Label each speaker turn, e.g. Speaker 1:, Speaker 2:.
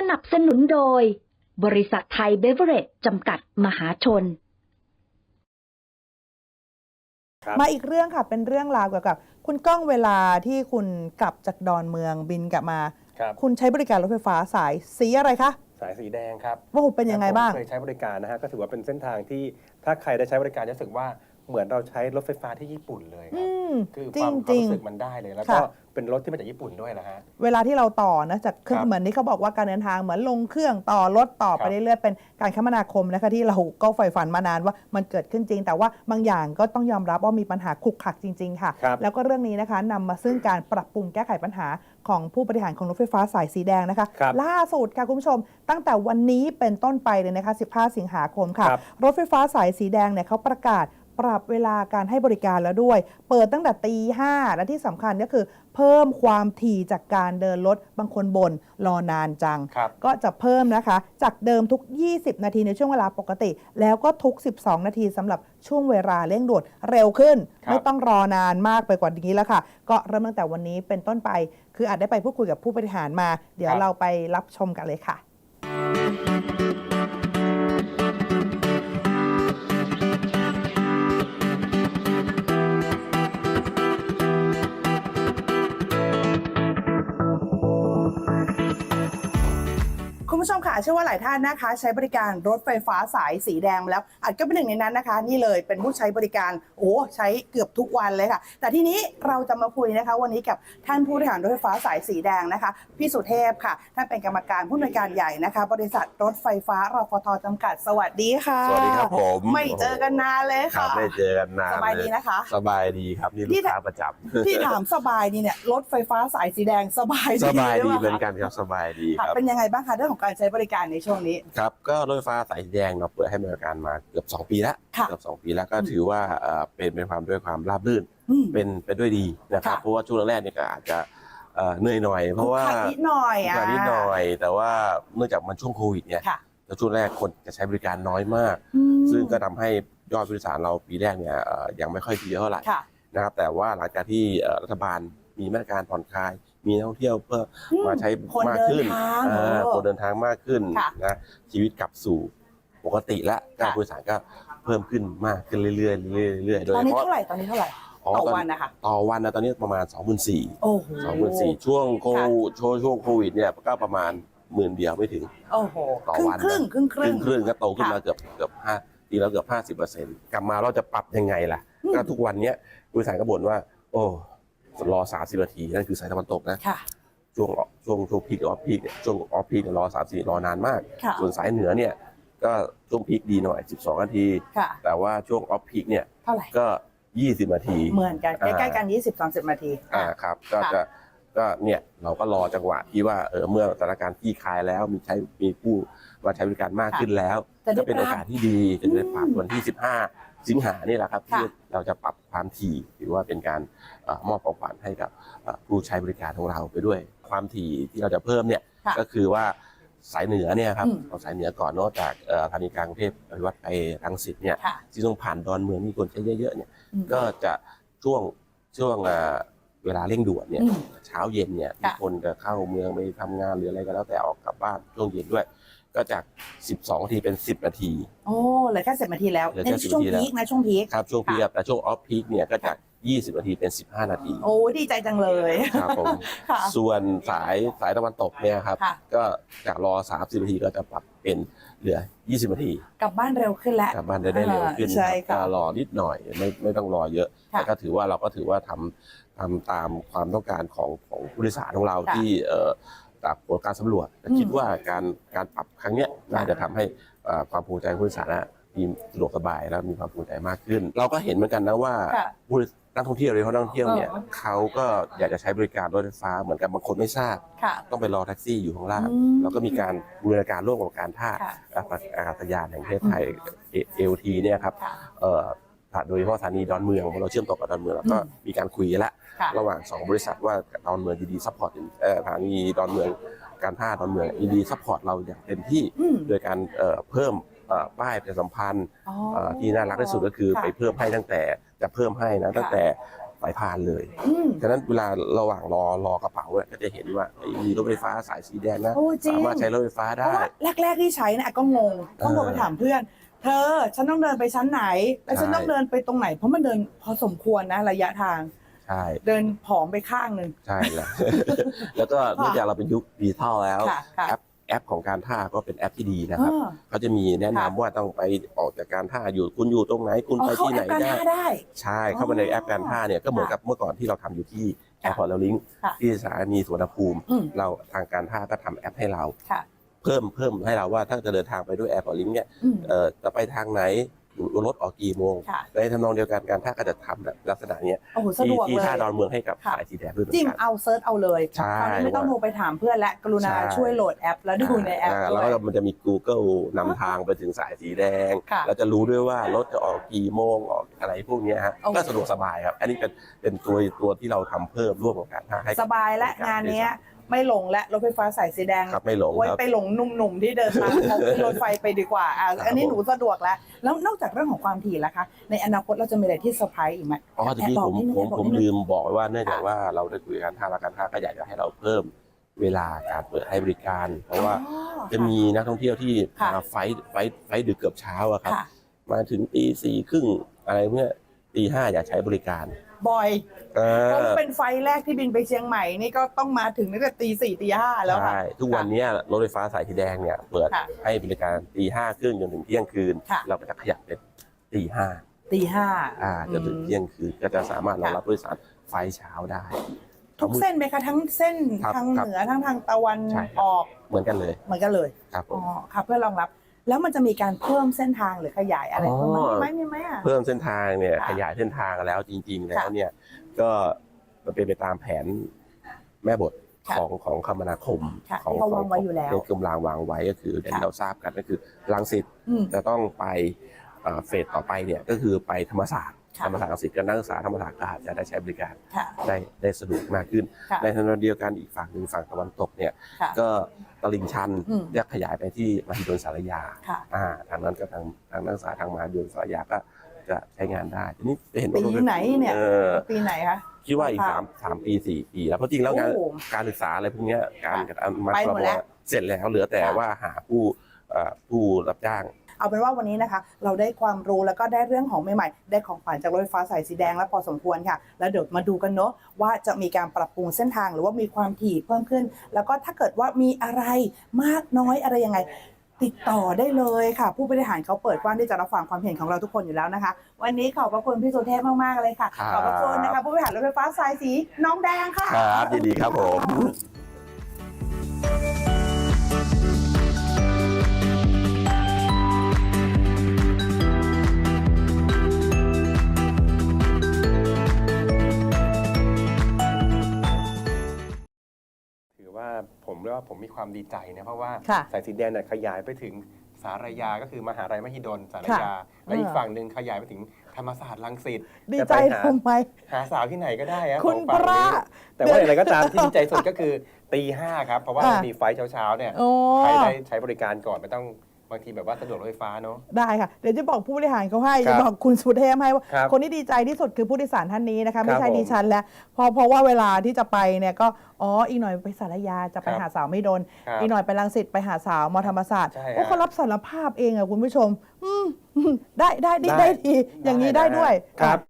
Speaker 1: นับสนุนโดยบริษัทไทยเบเวอเรจจำกัดมหาชน
Speaker 2: มาอีกเรื่องค่ะเป็นเรื่องราวเกี่ยวกับคุณก้องเวลาที่คุณกลับจากดอนเมืองบินกลับมาคุณใช้บริการรถไฟฟ้าสายสีอะไรคะ
Speaker 3: สายสีแดงครับ
Speaker 2: ว่าเป็นยังไงบ้าง
Speaker 3: เคยใช้บริการนะฮะก็ถือว่าเป็นเส้นทางที่ถ้าใครได้ใช้บริการจะรู้สึกว่าเหมือนเราใช้รถไฟฟ้าที่ญี่ปุ่นเลยครับคือความรู้สึกมันได้เลยแล้วก็เป็นรถที่มาจากญี่ปุ่นด้วยนะฮะ
Speaker 2: เวลาที่เราต่อนะจากเครื่องเหมือนที่เขาบอกว่าการเดินทางเหมือนลงเครื่องต่อรถต่อไปเรื่อยๆเป็นการคมนาคมนะคะที่เราก็ใฝ่ฝันมานานว่ามันเกิดขึ้นจริงแต่ว่าบางอย่างก็ต้องยอมรับว่ามีปัญหาขลุกขลักจริงๆค่ะแล้วก็เรื่องนี้นะคะนำมาซึ่งการปรับปรุงแก้ไขปัญหาของผู้บริหารของรถไฟฟ้าสายสีแดงนะคะล่าสุดค่ะคุณผู้ชมตั้งแต่วันนี้เป็นต้นไปเลยนะคะ15 สิงหาคมค่ะรถไฟฟ้าสายสีแดงเนี่ยเขาประกาศปรับเวลาการให้บริการแล้วด้วยเปิดตั้งแต่ตี 5และที่สำคัญก็คือเพิ่มความถี่จากการเดินรถบางคนบ่นรอนานจังก็จะเพิ่มนะคะจากเดิมทุก20 นาทีในช่วงเวลาปกติแล้วก็ทุก12 นาทีสำหรับช่วงเวลาเร่งด่วนเร็วขึ้นไม่ต้องรอนานมากไปกว่านี้แล้วค่ะก็เริ่มตั้งแต่วันนี้เป็นต้นไปคืออาจได้ไปพูดคุยกับผู้บริหารมาเดี๋ยวเราไปรับชมกันเลยค่ะคุณผู้ชมค่ะเชื่อว่าหลายท่านนะคะใช้บริการรถไฟฟ้าสายสีแดงแล้วอาจก็เป็นหนึ่งในนั้นนะคะนี่เลยเป็นผู้ใช้บริการใช้เกือบทุกวันเลยค่ะแต่ทีนี้เราจะมาคุยนะคะวันนี้กับท่านผู้บริหารรถไฟฟ้าสายสีแดงนะคะพี่สุเทพค่ะท่านเป็นกรรมการผู้อำนวยการใหญ่นะคะบริษัทรถไฟฟ้ารฟท.จำกัดสวัสดีค่ะ
Speaker 4: สวัสดีครับผม
Speaker 2: ไม่เจอกันนานเลยค่ะ
Speaker 4: ไม่เจอกันนาน
Speaker 2: สบายดีนะคะ
Speaker 4: สบายดีครับนี่ลูกค้าประจำ
Speaker 2: ที่ถามสบายดีเนี่ยรถไฟฟ้าสายสีแดงสบาย
Speaker 4: ดีเหมือนกันครับสบายดีครับ
Speaker 2: เป็นยังไงบ้างคะเรื่องของการใช้บริการในช่วงนี้
Speaker 4: ครับก็รถไฟฟ้าสายสีแดงเราเปิดให้บริการมาเกือบ2 ปีแล้วเกือบ2 ปีแล้วก็ถือว่าเป็นความด้วยความราบรื่นเป็นด้วยดีนะครับเพราะว่าช่วงแรกเนี่ยก็อาจจะเหนื่อยหน่อยเพราะว่า
Speaker 2: นิดหน่อย
Speaker 4: แต่ว่าเนื่องจากมันช่วงโควิดเนี่ยแล้วช่วงแรกคนจะใช้บริการน้อยมากซึ่งก็ทำให้ยอดผู้โดยสารเราปีแรกเนี่ยยังไม่ค่อยดีเท่าไหร่นะครับแต่ว่าหลังจากที่รัฐบาลมีมาตรการผ่อนคลายมีนักท่องเที่ยวเพื่อมาใช้มากขึ้นคนเดินทางมากขึ้นนะชีวิตกลับสู่ปกติและการผู้โดยสารก็เพิ่มขึ้นมากขึ้นเรื่อยๆโดยเฉพาะ
Speaker 2: ตอนนี้เท่าไหร่ต่อวันนะคะ
Speaker 4: ต่อวันนะตอนนี้ประมาณ 24,000ช่วงโควิดเนี่ยก็ประมาณ10,000เดียวไม่ถึงต่อวัน
Speaker 2: ครึ่ง
Speaker 4: ก็โตขึ้นมาเกือบ5 ปีแล้วเกือบ50%กลับมาเราจะปรับยังไงล่ะก็ทุกวันนี้ผู้โดยสารก็บ่นว่ารอ30 นาทีนั่นคือสายตะวันตกนะช่วงพีคออฟพีคช่วงออฟพีครอ30รอนานมากส่วนสายเหนือเนี่ยก็ช่วงพีคดีหน่อย12 นาทีแต่ว่าช่วงออฟพีคเนี่ยก็20 นาที
Speaker 2: เหมือนกันใกล้ๆกัน20-30 นาที
Speaker 4: ครับก็เนี่ยเราก็รอจังหวะที่ว่าเมื่อสถานการณ์คลี่คลายแล้วมีผู้มาใช้บริการมากขึ้นแล้วก็เป็นโอกาสที่ดีจะได้ปรับวันที่15 สิงหานี่แหละครับที่เราจะปรับความถี่หรือว่าเป็นการมอบของขวัญให้กับผู้ใช้บริการของเราไปด้วยความถี่ที่เราจะเพิ่มเนี่ยก็คือว่าสายเหนือเนี่ยครับเอาสายเหนือก่อนนอกจากสถานีกลางกรุงเทพอภิวัตไปรังสิตเนี่ยที่ต้องผ่านดอนเมืองมีคนใช้เยอะๆเนี่ยก็จะช่วงเวลาเร่งด่วนเนี่ยเช้าเย็นเนี่ยคนจะเข้าเมืองไปทำงานหรืออะไรก็แล้วแต่ออกกลับบ้านช่วงเย็นด้วยก็จาก12 นาทีเป็น10 นาที
Speaker 2: เหลือแค่10 นาทีแล้วในช่วงพีคนะช่วงพีค
Speaker 4: ครับช่วงพีคแต่ช่วงออฟพีคเนี่ยก็จาก20 นาทีเป็น15 นาที
Speaker 2: ดีใจจังเลย
Speaker 4: ครับผมส่วนสายตะวันตกเนี่ยครับก็จากรอ30 นาทีก็จะปรับเป็นเหลือ20 นาที
Speaker 2: กลับบ้านเร็วขึ้นแล้ว
Speaker 4: กลับบ้านได้เร็วขึ้นก็รอนิดหน่อยไม่ต้องรอเยอะแต่ก็ถือว่าเราก็ถือว่าทำตามความต้องการของผู้โดยสารของเราที่จากผลการสำรวจคิดว่าการปรับครั้งนี้น่าจะทำให้ความภูมิใจผู้โดยสารมีสะดวกสบายแล้วมีความภูมิใจมากขึ้นเราก็เห็นเหมือนกันนะว่านักท่องเที่ยวเนี่ยเขาก็อยากจะใช้บริการรถไฟฟ้าเหมือนกับบางคนไม่ทราบต้องไปรอแท็กซี่อยู่ข้างล่างแล้วก็มีการบูรณาการร่วมกับการท่าอากาศยานแห่งประเทศไทย AOT เนี่ยครับโดยเฉพาะสถานีดอนเมืองเราเชื่อมต่อกับดอนเมืองแล้วก็มีการคุยแล้วระหว่าง2 บริษัทว่าดอนเมืองดีซัพพอร์ตสถานีดอนเมืองการท่าดอนเมืองดีซัพพอร์ตเราอย่างเต็มที่โดยการเพิ่มป้ายประชาสัมพันธ์ที่น่ารักที่สุดก็คือไปเพิ่มให้ตั้งแต่จะเพิ่มให้นะตั้งแต่สายพานเลยฉะนั้นเวลาระหว่างรอกระเป๋าเนี่ยก็จะเห็นว่ามีรถไฟฟ้าสายสีแดงนะสามารถใช้รถไฟฟ้าได้
Speaker 2: แรกๆที่ใช้นะก็งงต้องโทรไปถามเพื่อนเธอฉันต้องเดินไปชั้นไหนแล้วฉันต้องเดินไปตรงไหนเพราะมันเดินพอสมควรนะระยะทาง
Speaker 4: ใช่
Speaker 2: เดินผอมไปข้างหนึ่ง
Speaker 4: ใช่แล้ว แล้วก็เนื่องจากเราเป็นยุคดิจิทัลแล้วแอปของการท่าก็เป็นแอปที่ดีนะครับเขาจะมีแนะนำว่าต้องไปออกจากการท่าอยู่คุณอยู่ตรงไหนคุณไปที่ไหนได้ใช่เข้ามาในแอปการท่าเนี่ยก็เหมือนกับเมื่อก่อนที่เราทำอยู่ที่แอร์พอร์ตลิงก์ที่สถานีสุวรรณภูมิเราทางการท่าก็ทำแอปให้เราเพิ่มให้เราว่าถ้าจะเดินทางไปด้วยแอร์พอร์ตลิงก์เนี่ยจะไปทางไหนรถออกกี่โมงในทำนองเดียวกันการท่าก็จะทำแบบลักษณะนี้ที่ท่าดอนเมืองให้กับสายสีแดงด้วย
Speaker 2: จิ้มเอาเซิร์ชเอาเลยตอนนี้ไม่ต้องโทรไปถามเพื่อนและกรุณาช่วยโหลดแอปแล้วดูในแอป
Speaker 4: แล้วก็มันจะมี Google นำทางไปถึงสายสีแดงเราจะรู้ด้วยว่ารถจะออกกี่โมงออกอะไรพวกนี้ฮะก็สะดวกสบายครับอันนี้เป็นตัวที่เราทำเพิ่มร่วมกับการท่าให้
Speaker 2: สบายและงานนี้ไม่หลงและรถไฟฟ้าสายสีแดง
Speaker 4: ไม่หลง
Speaker 2: ไว้ไปหลงหนุ่มๆที่เดินมาเอาขึ้นรถไฟไปดีกว่าอันนี้หนูสะดวกแล้วนอกจากเรื่องของความถี่แล้วคะในอนาคตเราจะมีอะไรที่เซอร์ไพรส์อีกไหม
Speaker 4: ทีนี้ผมลืมบอกว่าเนื่องจากว่าเราได้คุยกันท่าและการท่าก็อยากจะให้เราเพิ่มเวลาการเปิดให้บริการเพราะว่าจะมีนักท่องเที่ยวที่มาไฟดึกเกือบเช้าอะครับมาถึงตี 4:30อะไรเมื่อตี 5อยากใช้บริการ
Speaker 2: บ่อยเพราะเป็นไฟแรกที่บินไปเชียงใหม่นี่ก็ต้องมาถึงตั้งแต่ตี 4 ตี 5แล้วค่ะ
Speaker 4: ทุกวันนี้รถไฟฟ้าสายสีแดงเนี่ยเปิดให้บริการตี 5:30จนถึงเที่ยงคืนเราก็จะขยับเป็นตี 5จนถึงเที่ยงคืนก็จะสามารถรองรับผู้โดยสารไฟเช้าได้
Speaker 2: ทุกเส้นไหมคะทั้งเส้นทางเหนือทั้งทางตะวันออก
Speaker 4: เหมือนกันเลย
Speaker 2: ครับค่ะเพื่อรองรับแล้วมันจะมีการเพิ่มเส้นทางหรือขยายอะไรเพิ่มไหม
Speaker 4: เพิ่มเส้นทางเนี่ยขยายเส้นทางแล้วจริงๆแล้วเนี่ยก็เป็นไปตามแผนแม่บทของคมนาคม
Speaker 2: ของ
Speaker 4: กรมวางไว้ก็คือที่เราทราบกันก็คือรังสิตจะต้องไปเฟสต่อไปเนี่ยก็คือไปธรรมศาสตร์รังสิตกับนักศึกษาธรรมศาสตร์ก็อาจจะได้ใช้บริการได้สะดวกมากขึ้นในทางเดียวกันอีกฝั่งหนึ่งฝั่งตะวันตกเนี่ยก็ตลิ่งชันจะขยายไปที่มหิดลสารยาทางนั้นก็ทางนักศึกษาทางมหาวิทยาลัยสารยาก็จะใช้งานได้ทีนี้
Speaker 2: เห็นปีไหนเนี่ยปีไหนคะ
Speaker 4: คิดว่าอีก3 ปี 4 ปีแล้วเพราะจริงแล้วการศึกษาอะไรพวกนี้การมาเสร็จแล้วเหลือแต่ว่าหาผู้รับจ้าง
Speaker 2: เอาเป็นว่าวันนี้นะคะเราได้ความรู้แล้วก็ได้เรื่องของใหม่ๆได้ของขวัญจากรถไฟฟ้าสายสีแดงและพอสมควรค่ะแล้วเดี๋ยวมาดูกันเนาะว่าจะมีการปรับปรุงเส้นทางหรือว่ามีความถี่เพิ่มขึ้นแล้วก็ถ้าเกิดว่ามีอะไรมากน้อยอะไรยังไงติดต่อได้เลยค่ะผู้บริหารเขาเปิดกว้างที่จะรับฟังความเห็นของเราทุกคนอยู่แล้วนะคะวันนี้ขอบพระคุณพี่สุเทพมากๆเลยค่ะขอบพระคุณนะคะผู้บริหารรถไฟฟ้าสายสีน้องแดงค่ะ
Speaker 4: ครับยินดีครับผม
Speaker 3: ผมเรียกว่าผมมีความดีใจนะเพราะว่าสายสีแดงเนี่ยขยายไปถึงสารยาก็คือมหาวิทยาลัยมหิดลสารยาและอีกฝั่งหนึ่งขยายไปถึงธรรมศาสตร์รังสิต
Speaker 2: ดีใจทำไม
Speaker 3: หาสาวที่ไหนก็ได้ครับ
Speaker 2: คุณพระ
Speaker 3: แต่ว่าอะไรก็ตามที่ดีใจสุดก็คือตี 5ครับเพราะว่ามีไฟเช้าๆเนี่ยใครได้ใช้บริการก่อนไม่ต้องบางทีแบบว่าสะดวกรถไฟฟ้าเนาะ
Speaker 2: ได้ค่ะเดี๋ยวจะบอกผู้บริหารเขาให้จะบอกคุณสุเทพให้ว่าคนที่ดีใจที่สุดคือผู้โดยสารท่านนี้นะคะไม่ใช่ดิฉันแล้วเพราะว่าเวลาที่จะไปเนี่ยก็อีกหน่อยไปสารยาจะไปหาสาวไม่โดนอีกหน่อยไปรังสิตไปหาสาวมธรรมศาสตร์เขารับสารภาพเองอะคุณผู้ชมได้ดีอย่างนี้ได้ด้วย
Speaker 3: ครับ